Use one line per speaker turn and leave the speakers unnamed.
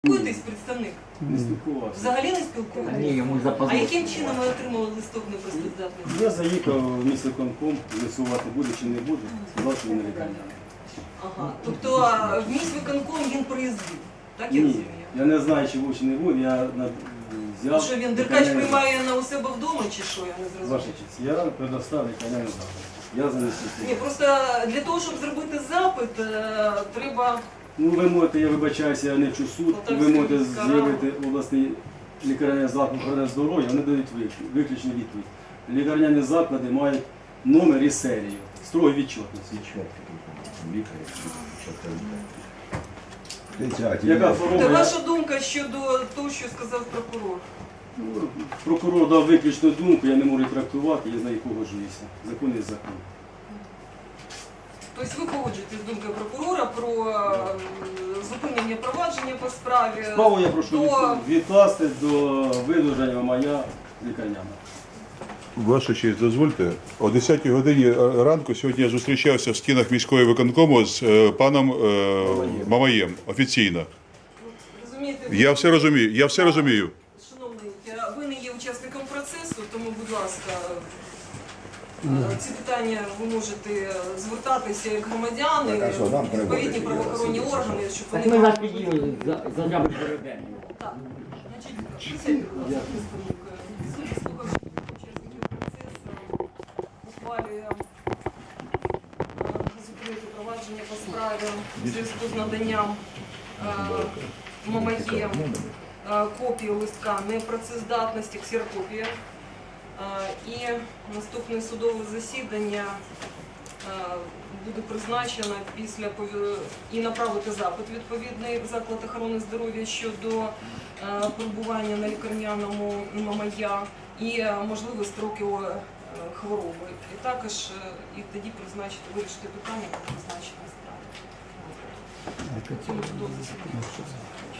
Спілкуєтесь, представник?
Не спілкувався.
Взагалі не спілкуєтесь?
Ні, йому
А
запозор.
яким чином ви отримали листок непрацездатності?
Я заїхав в міськвиконком, висувати буде чи не буде, сказав, що він не лікарняний.
Ага. Тобто в міськвиконком він приїздив, так я
Ні,
розумію?
я не знаю, чи був, чи не був, я взяв...
Що він Деркач приймає на у себе вдома чи що, я не
Ваша
зрозуміла.
честь, я предоставив лікарняний заклад. Я занесу.
Ні, просто для того, щоб зробити запит, треба...
Ну, ви можете, я вибачаюся, я не вчу суд, ви можете з'явити обласний лікарняний заклад охорони здоров'я, вони дають виключну відповідь. Лікарняні заклади мають номер і серію, строго відчетність. Яка
Та
хвороба?
ваша думка щодо того, що сказав прокурор?
Ну, прокурор дав виключну думку, я не можу її трактувати, я з нею погоджуюся. Закон є закон.
Тобто ви погоджуєтесь з думкою прокурора про зупинення провадження по справі?
Справу я прошу
до-
відкласти до видовження моя лікарняна.
Ваша честь, дозвольте. О 10-й годині ранку сьогодні я зустрічався в стінах міської виконкому з паном Мамаєм офіційно.
Розумієте,
Я все розумію.
Шановний, ви не є учасником процесу, тому, будь ласка, ці питання ви можете звертатися як громадяни,
Так, а що, нам
відповідні
переводити?
правоохоронні органи, щоб
Так
вони
ми
вам
вас підіймемо за жабу переведемо.
Так, значить, присядьте, будь ласка, представник. Суд, слухавши учасників процесу, ухвалює зупинити провадження по справі у зв'язку з наданням Мамаєм копії листка непрацездатності, ксерокопія. І наступне судове засідання буде призначено і направити запит відповідний в заклад охорони здоров'я щодо перебування на лікарняному Мамая і можливі строки хвороби. І також і тоді вирішити питання про призначення справи. Цьому судове засідання.